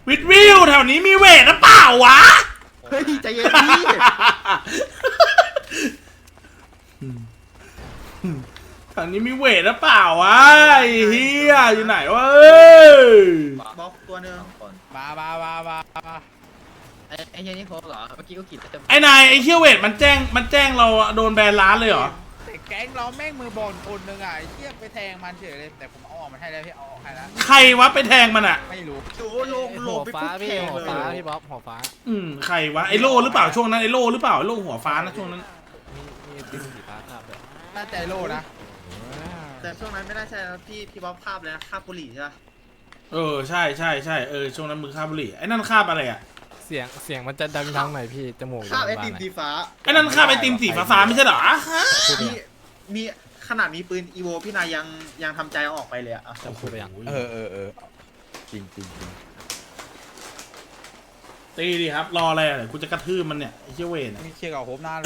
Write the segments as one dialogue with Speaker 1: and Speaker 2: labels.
Speaker 1: วิดวิวแถวนี้มีเวทหรือเปล่าวะ
Speaker 2: เฮ้ยใจเย็นพี่
Speaker 1: แถวนี้มีเวทหรือเปล่าวะไอ้เฮียอยู่ไหนวะเอ้ย
Speaker 2: บล็อกตัวหนึง
Speaker 3: มา
Speaker 2: ไอ้เฮียนี่โคเหรอเมื่อกี้ก็กินแต่
Speaker 1: ไอ้นายไอ้เฮียเวทมันแจ้งเราโดนแบนร้านเลยเหรอ
Speaker 3: แต่แก๊งเราแม่งมือบอลคนหนึ่งอ่ะไอ้เหี้ยไปแทงมันเฉยเลยแต่ผมเอาออกมาให้แล้วพี่เอาออกให้แล้ว
Speaker 1: ใครวะไปแทงมันอ่ะ
Speaker 3: ไม่รู้
Speaker 2: ดูลงไป
Speaker 4: ฟ้า
Speaker 2: ปุ๊บ
Speaker 4: พี่
Speaker 2: แทง
Speaker 4: หัว
Speaker 2: เลย
Speaker 4: ฟ้าพี่บ๊อบหัวฟ้า
Speaker 1: ใครวะไอโล่หรือเปล่าช่วงนั้นไอโล่หรือเปล่าไอโล่หัวฟ้านะช่วงนั้น
Speaker 4: มีติ้งสีฟ้าครับเลย
Speaker 3: น่าใจโลนะ
Speaker 2: แต่ช่วงนั้นไม่น่าใช่นะพี่บ๊อบคาบเลยนะคาบบุหรี่ใช่ปะ
Speaker 1: ใช่ช่วงนั้นมือคาบบุหรี่ไอ้นั่นคาบอะไรอ่ะ
Speaker 4: เสียงมันจะดังทางไหนพี่จมูก
Speaker 2: คาบไอ
Speaker 4: บ้า
Speaker 2: ติ
Speaker 4: น
Speaker 2: ม
Speaker 4: ไหน
Speaker 2: สีฟ้า
Speaker 1: ไอ้นั่นคาบไอติมสีฟ้าๆไม่ใช่เหรอ
Speaker 4: พูดไป
Speaker 2: มี
Speaker 4: ยัง
Speaker 2: มีขนาดมีปืนอีโวพี่นายยังทำใจเอาออกไปเลยอะ
Speaker 4: จะพูดไปยัง
Speaker 3: เออจริง
Speaker 1: ตีดิครับรออะไรอ่ะเดี๋ยวกูจะกระทืบมันเนี่ยไอ้เชี่ยเวท
Speaker 3: มีเชียร์กับโฮปหน้าเลย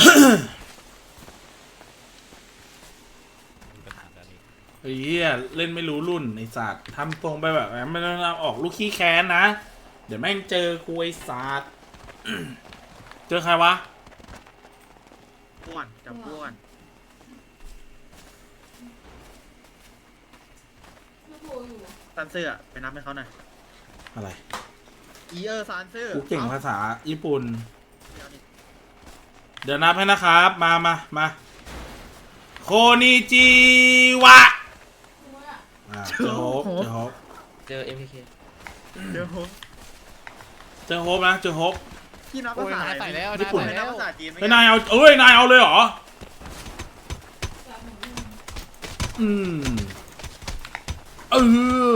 Speaker 1: ไอ้เหี้ยเล่นไม่รู้รุ่นไอ้สัตว์ทำตรงไปแบบนั้นไม่ต้องเอาออกลูกขี้แค้นนะ เดี๋ยวแม่งเจอกูไอ้สัตว์ เจอใครวะ
Speaker 2: อ้วนจับอ้วน ซันเซอร์อะไปนับให้เขาหน่อย
Speaker 1: อะไร
Speaker 2: ซันเซอร์
Speaker 1: กูเก่งภาษาญี่ปุ่น
Speaker 2: เดี๋ยวนี่
Speaker 1: เดี๋ยวนับให้นะครับมาโคนิจิวะเจอโฮป
Speaker 4: เจอ MPK
Speaker 2: เดี๋ยวผม
Speaker 1: เจอโฮปนะเจอโฮป
Speaker 2: พี่นับ
Speaker 4: โอ้
Speaker 2: ภาย ษา
Speaker 4: นายใส่แล้ว
Speaker 1: ญี่ปุ่น
Speaker 2: ไม่
Speaker 4: ใส่
Speaker 2: นั
Speaker 4: แล้
Speaker 2: บ
Speaker 4: ว
Speaker 2: ภาษาจีนไหม
Speaker 1: ไอ้นายเอานายเอาเลยเหรออืมเออ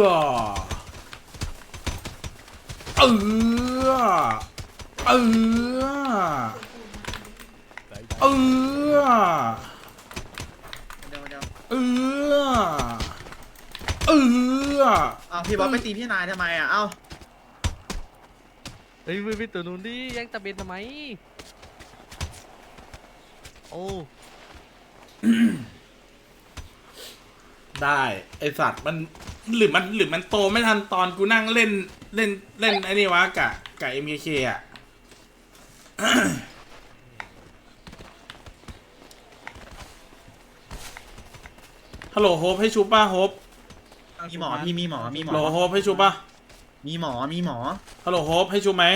Speaker 1: เออเออเออ
Speaker 2: เดี๋ยว
Speaker 1: เออเออ
Speaker 2: เอาพี่บ๊อบไปตีพี่นายทำไมอะเอ้า
Speaker 4: เฮ้ยพี่ตัวนู้นดิแย่งตะเบนทำไมโอ้
Speaker 1: ได้ไอสัตว์มันหรือมันโตไม่ทันตอนกูนั่งเล่นไอ้นี่วะกะ MKK อ่ะ ฮัลโหลโฮปให้ชูป่ะโฮป
Speaker 2: มีหมอพี่มีหมอ
Speaker 1: ฮัลโหลโฮปให้ชูป่ะ
Speaker 2: มีหมอ
Speaker 1: ฮัลโหลโฮปให้ชูไหม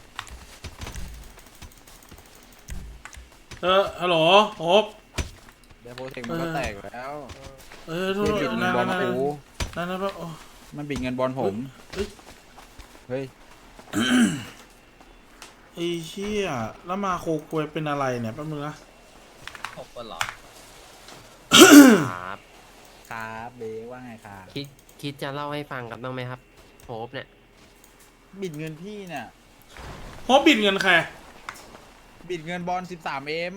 Speaker 1: ฮัลโหลโฮป
Speaker 3: เดี๋ยวโปรเทคมันก็แตกแล้ว
Speaker 1: โทษ
Speaker 3: บิดเงิน
Speaker 1: นะ
Speaker 3: บอล
Speaker 1: นะ
Speaker 3: กู
Speaker 1: โอ้
Speaker 3: มันบิดเงินบอลผม เฮ้ย
Speaker 1: ไอ้เชี่ยแล้วมาโคกวยเป็นอะไรเนี่ยแป๊บนึงนะ
Speaker 2: 6 คนเหรอ
Speaker 4: ครับ
Speaker 3: ครับเบว่าไงครับ
Speaker 4: คิดจะเล่าให้ฟังกันบ้างไหมครับโฮปเนี่ย
Speaker 3: บิดเงินพี่เนี่ย
Speaker 1: โฮปบิดเงินใคร
Speaker 3: บิดเงินบอล 13M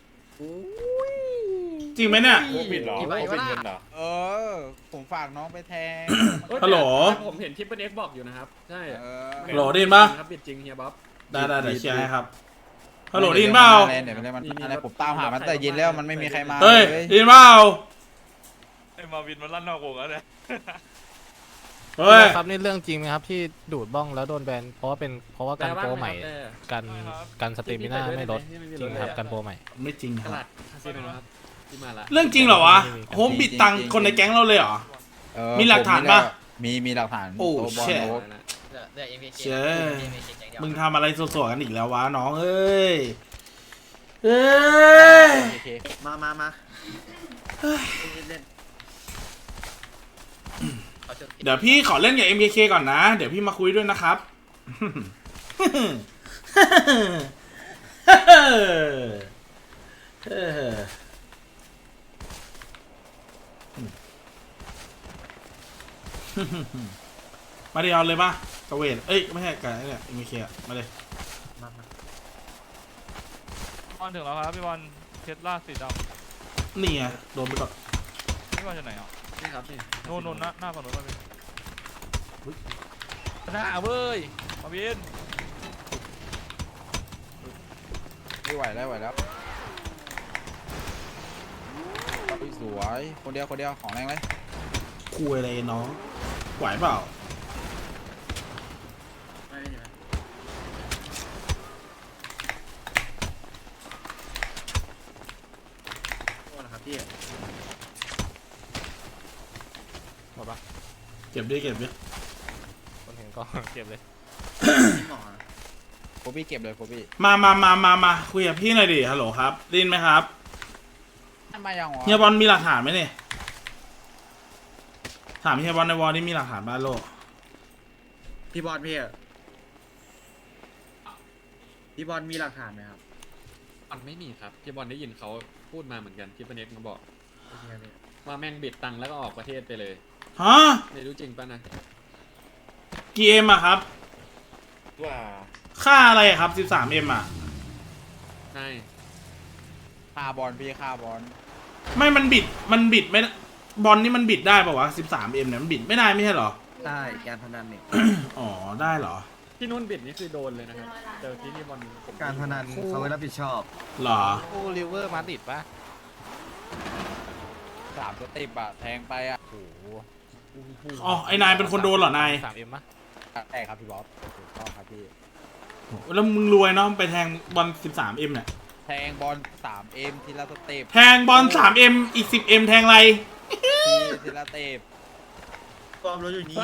Speaker 1: จริงไหมเนี่ย
Speaker 5: โอ้บิดเหรอ
Speaker 4: กี่ใบ
Speaker 5: โอ้
Speaker 4: วะ
Speaker 5: บิด
Speaker 4: น่ะ
Speaker 5: เงินเหรอ
Speaker 3: ผมฝากน้องไปแทง
Speaker 1: ฮัลโหล
Speaker 5: ผมเห็นทิปเปิลเอ็กบอกอยู่นะครับ ใช่
Speaker 1: ฮัลโหลได้ยินปะ
Speaker 5: ครับบิดจริงเฮียบ๊อบ
Speaker 1: ได้เดี๋ยวเชียร์ให้ครับ ฮัลโหลได้ยินเปล่า
Speaker 3: เดี๋ยวมันอะไรผมตามหามันแต่เย็นแล้วมันไม่มีใครมา
Speaker 1: เฮ้ย
Speaker 3: เลย
Speaker 1: ได้ยินเปล่า
Speaker 5: ไอ้มาวินมันลั่นนอกวงแล้วเนี่ย
Speaker 1: เฮ้ย
Speaker 4: ครับนี่เรื่องจริงไหมครับที่ดูดบ้องแล้วโดนแบนเพราะว่าการโปรใหม่กันสเตมิน่าไม่ลดจริงครับการโปรใหม่
Speaker 1: ไม่จริงค
Speaker 5: ต
Speaker 1: รับ
Speaker 5: ลาดคาสิโนครับที่มาละ
Speaker 1: เรื่องจริงเหรอวะ โฮปบิดตังค์คนในแก๊งเราเลยเหรอ มีหลักฐานปะ
Speaker 3: มีหลักฐาน
Speaker 1: โอ้
Speaker 3: ตัวบอล
Speaker 1: แช่
Speaker 3: โอ๊ค
Speaker 2: เดี๋ยว MPK
Speaker 1: เชี่ยมึงทำอะไรสวยๆกันอีกแล้ววะน้องเอ้ย เอ้ย
Speaker 3: โอเค
Speaker 2: มาเล่น
Speaker 1: เดี๋ยวพี่ขอเล่นกับ MKK ก่อนนะ เดี๋ยวพี่มาคุยด้วยนะครับ มาดิเอาเลยป่ะกระเวทเอ้ยไม่ใช่กระเนี่ย MKK อะมาเลย
Speaker 2: มา
Speaker 6: บอลถึงแล้วครับพี่บอลเทสลาสีด
Speaker 1: นี่ไงโดนไปก่อน
Speaker 6: ำพี่บอลอยู่ไหนอ่ะ
Speaker 5: นี่ครับนี่
Speaker 6: นู่นหน้าฝั่งนู้นมาพี่
Speaker 4: หน้าเว้ย
Speaker 6: มาวิน
Speaker 3: ไม่ไหวแล้วสวยคนเดียวของแรงเลย
Speaker 1: คุยอะไรน้อง ไหวเปล่า
Speaker 2: มาดิ
Speaker 1: ก็บดิเก็บดิ
Speaker 4: คนเห็นก็ เก็บเลย
Speaker 2: หมอ
Speaker 3: โคบี้เก็บเลยโคบี้
Speaker 1: มาคุยกับพี่หน่อยดิฮัลโหลครับได้ยินไหมครับ
Speaker 3: ทำไมยังวะ
Speaker 1: เฮียบอลมีหลักฐานไหมเนี่ยถามเฮียบอลในวอลนี่มีหลักฐานบ้านโลก
Speaker 2: พี่บอลพี่อะพี่บอลมีหลักฐานไหมครับ
Speaker 5: มันไม่มีครับพี่บอลได้ยินเขาพูดมาเหมือนกันที่ปเน็กมาบอก
Speaker 2: โอเคพี่
Speaker 5: ว่าแม่งบิดตังค์แล้วก็ออกประเทศไปเลย
Speaker 1: ฮะ
Speaker 5: ไม่รู้จริงป่ะนะ
Speaker 1: กี่เอ็มอะครับ
Speaker 2: ว่า
Speaker 1: ค่าอะไรอะครับ 13M อะ
Speaker 5: ใช่
Speaker 3: ฆ่าบอลพี่ฆ่าบอล
Speaker 1: ไม่มันบิดไม่ได้บอลนี่มันบิดได้ป่าวะ 13M เนี่ยมันบิดไม่ได้ไม่ใช่เหรอ
Speaker 2: ได้การพนันเนี่ย
Speaker 1: อ๋อได้เหรอ
Speaker 5: ที่นู่นบิดนี่คือโดนเลยนะครับเจอที่นี่บอลผม
Speaker 2: การพนันเขาไม่รับผิดชอบ
Speaker 1: เหรอ
Speaker 4: คู่ริเวอร์มาดริดปะ
Speaker 3: 3 สเต็ปอะแทงไปอะโอ้โห
Speaker 1: อ๋อไอ้นายเป็นคนโดนเหรอนาย
Speaker 4: 3M ปะ
Speaker 3: ใช่ครับพี่บ๊อบถูกต้องครับพี่
Speaker 1: แล้วมึงรวยเนาะไปแทงบอล 13M เนี่ย
Speaker 3: แทงบอล 3M ทีละสเต็ป
Speaker 1: แทงบอล 3M อีก 10M แทงอะไร
Speaker 3: ทีละสเต็ป
Speaker 2: ความรู้อยู่นี่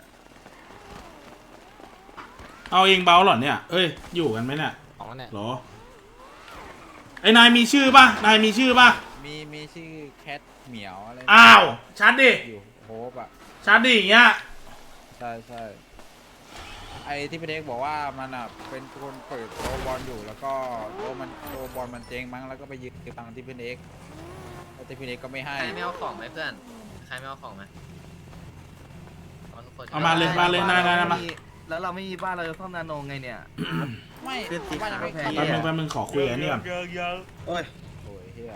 Speaker 1: เอาเองเบาเหรอเนี่ยเอ้ยอยู่กันไหมเนี่ย
Speaker 4: ออกแล้วเนี่ย
Speaker 1: เหรอไอ้นายมีชื่อป่ะนายมีชื่อป่ะ
Speaker 3: มีชื่อแคทเหมียวอะไร
Speaker 1: อ้าวชัดดิ
Speaker 3: อยู่โฮปอะ
Speaker 1: ชัดดิอย่างเงี้ย
Speaker 3: ใช่ใช่ไอ้ที่พี่เด็กบอกว่ามันอ่ะเป็นคนเปิดโตะบอลอยู่แล้วก็โตะบอลมันเจ๊งมั้งแล้วก็ไปยืมตังค์ที่พี่เด็กแล้วที่พี่เด็กก็ไม่ให้
Speaker 7: ใครไม่เอาของไหมเพื่อน ใครไม่เอาของไหมเอาทุกคน
Speaker 1: เอามาเลยนายมา
Speaker 2: แล้วเราไม่มีบ้านเราจะซ่อมนาโนไงเนี่ย
Speaker 3: ไม่
Speaker 2: เป็นสี
Speaker 3: บ้านยังไม่
Speaker 2: ขาว
Speaker 3: เข้า
Speaker 2: แพง
Speaker 1: แป๊บนึงขอคุยอันนี้ก่อน
Speaker 2: โอ้ย
Speaker 3: โอ้ยเฮีย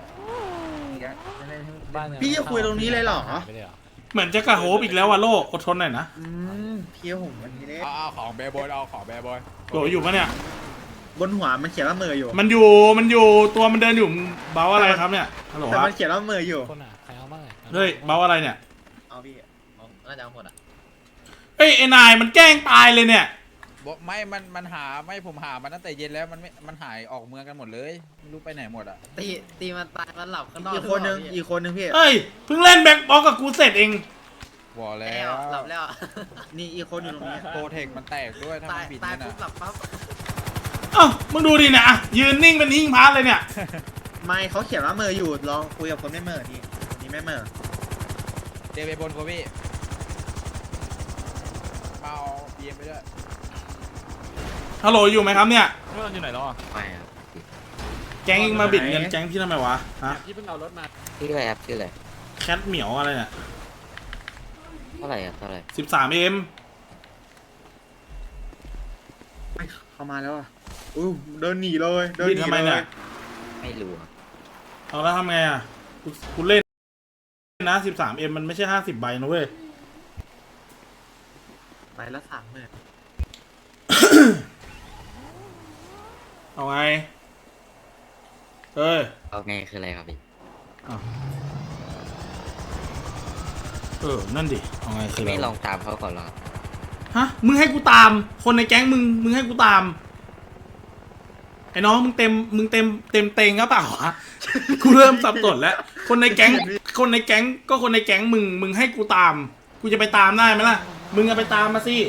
Speaker 4: บ้านยัง
Speaker 2: พี่จะคุยตรงนี้เลยเหรอ
Speaker 4: ไม่ได้เหรอ
Speaker 1: เหมือนจะกระโฮบอีกแล้วว่ะโลกอดทนหน่อยนะ
Speaker 2: พี่ผมวันนี้เลย
Speaker 3: เอาของแบร์บอยเอาของแบร์บอย
Speaker 1: โหลอยู่ปะเนี่ย
Speaker 2: บนหัวมันเขียนว่าเมออยู่
Speaker 1: มันอยู่ตัวมันเดินอยู่มึงเบาอะไรครับเนี่ยฮัลโหล
Speaker 2: แต่
Speaker 1: ครับ
Speaker 2: มันเขียนว่าเมออยู่
Speaker 4: คนอ่ะใครเอาบ้างอ่ะ
Speaker 1: เฮ้ยเบาอะไรเนี่ย
Speaker 2: เอาพี่
Speaker 7: เอาน่าจะเอาหมดอ่ะ
Speaker 1: เอ้ยไอ้นายมันแกล้งตายเลยเนี่ย
Speaker 3: บอกไม่มันหาไม่ผมหามันตั้งแต่เย็นแล้วมันหายออกเมืองกันหมดเลยไม่รู้ไปไหนหมดอ่ะ
Speaker 7: ตีมันตายมันหลับข้างนอก
Speaker 2: อีกคนนึงอีกคนนึงพี่
Speaker 1: เอ้ยเพิ่งเล่นแบ็คบ็อกกับกูเสร็จเอง
Speaker 3: บอกแล้
Speaker 7: แล้ว
Speaker 3: ว
Speaker 7: หลับแล้ว
Speaker 2: นี่อีกคนอยู่ตรงนี้
Speaker 3: โปรเทคมันแตกด้วยถ้า
Speaker 7: ตา
Speaker 3: มั
Speaker 7: ย
Speaker 3: นบิด
Speaker 7: ตาย
Speaker 3: นั่น
Speaker 7: ปุ๊บห
Speaker 3: อ่ะ
Speaker 7: ลับปั๊บ
Speaker 1: เอ้ามึงดูดิเนี่ยอะยืนนิ่งเป็นหิ้งพาร์ทเลยเนี่ย
Speaker 2: ไม่เขาเขียนว่าเมออยู่ลองคุยกับคนไม่เมอนี่นี่ไม่เมอ
Speaker 3: เดไปบนโคบี้มาเอาเบียร์ไปด้วย
Speaker 1: ฮัลโหลอยู่ไหมครับเนี่ย
Speaker 6: พี่บอลอยู่ไหนแล้วอ่ะ
Speaker 7: ไปอ่ะ
Speaker 1: แก๊งเองมาบิดเงินแก๊งพี่ทำไมวะฮะ
Speaker 5: ที่เพิ่งเอารถมา
Speaker 7: ชื่ออะไรครับชื่ออะไร
Speaker 1: แคทเหมียวอะไรเนี่ย
Speaker 7: เท่าไหร่ครับเท่าไหร่
Speaker 1: 13M
Speaker 2: เข้ามาแล้วอ่ะอู้เดินหนีเลยเดิน
Speaker 1: บิด
Speaker 2: หนี
Speaker 1: ทำไม
Speaker 2: เล
Speaker 1: เนี่ย
Speaker 2: ย
Speaker 7: ไม่รู้
Speaker 1: เอาแล้วทำไงอ่ะกูเล่นนะ 13M มันไม่ใช่50 ใบนะเว้ย
Speaker 2: ไปละ30,000
Speaker 1: เอาไงเอ้ย
Speaker 7: เอาไงคืออะไรครับพี่
Speaker 1: นั่นดิเอาไงคือ
Speaker 7: ไม่
Speaker 1: อะไร
Speaker 7: ลองตามเขาก่อนหรอ
Speaker 1: ฮะมึงให้กูตาม คนในแก๊งมึงให้กูตามไอ้น้องมึงเต็มเต็งก็เปล่าวะ กูเริ่มสับสนแล้วคนในแก๊งก็คนในแก๊งมึงให้กูตาม กูจะไปตามได้ไหมล่ะมึงเอาไปตามมาสิ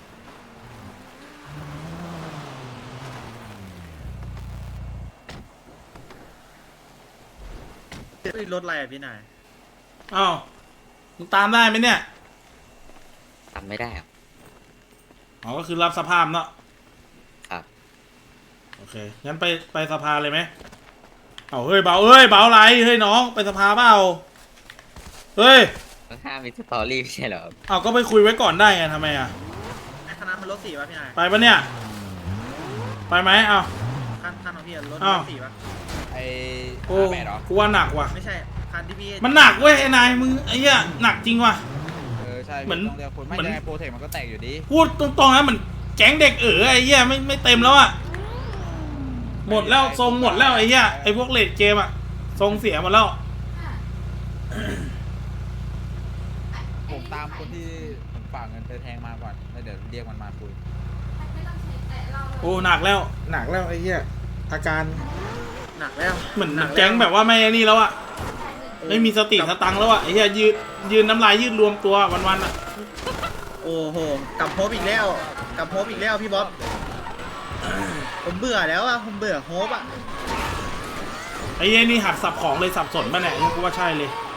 Speaker 2: รถอะไรอ่ะพี่นาย
Speaker 1: อ้าวมึงตามได้ไหมเนี่ย
Speaker 7: ทำไม่ได้ครับ
Speaker 1: อ๋อก็คือรับสภาพเนาะ
Speaker 7: ครับ
Speaker 1: โอเคงั้นไปสภาเลยไหมเอาเฮ้ยเบาอะไรเฮ้ยน้องไปสภาเปล่าเฮ้ย
Speaker 7: มันห้ามมีสตอรี่ไม่ใช่เหรอ
Speaker 1: เอาก็ไปคุยไว้ก่อนได้ไงทำไมอ่ะ
Speaker 2: ไอ้คณะมันรถ4ป่ะพี่นาย
Speaker 1: ไปปะเนี่ยไปไหมเอา
Speaker 2: คันของพี่อะรถ
Speaker 1: อ้าว
Speaker 2: 4ป่ะ
Speaker 3: ไอ้
Speaker 1: โอ้
Speaker 3: แม่เหรอ
Speaker 1: กูว่าหนักว่ะ
Speaker 2: ไม่ใช่คันที่พี่
Speaker 1: มันหนักเว้ยไอ้นายมึงไอ้เหี้ยหนักจริงว่ะ
Speaker 3: ใช่
Speaker 1: เหมือน
Speaker 3: ต้องเรียกคนไม่
Speaker 1: เหมือน
Speaker 3: ยังไงโปรเทคมันก็แตกอยู่ดี
Speaker 1: พูดตรงๆนะเหมือนแก๊งเด็กไอ้เหี้ยไม่เต็มแล้วอ่ะหมดแล้วทรงหมดแล้วไอ้เหี้ยไอ้พวกเลดเกมอ่ะทรงเสียหมดแล้ว
Speaker 3: ผมตามคนที่ผมฝากเงินไปแทงมาก่อนแล้วเดี๋ยวเรียกมันมาคุย
Speaker 1: โอ้หนักแล้วไอ้เหี้ยอาการ
Speaker 2: หนักแล้ว
Speaker 1: เหมือน
Speaker 2: หนัก
Speaker 1: แก๊งแบบว่าไม่ไอ้นี่แล้วอ่ะไม่มีสติสตังค์แล้วอ่ะไอ้เหี้ยยืนน้ำลายยืดรวมตัววันๆอ่ะ
Speaker 2: โอ้โหกลับโฮปอีกแล้วกลับโฮปอีกแล้วพี่บ๊อบผมเบื่อแล้วอะผมเบื่อโฮปอะ
Speaker 1: ไอ้เหี้ยนี่หัดสับของเลยสับสนป่ะเนี่ยกูว่าใช่เลย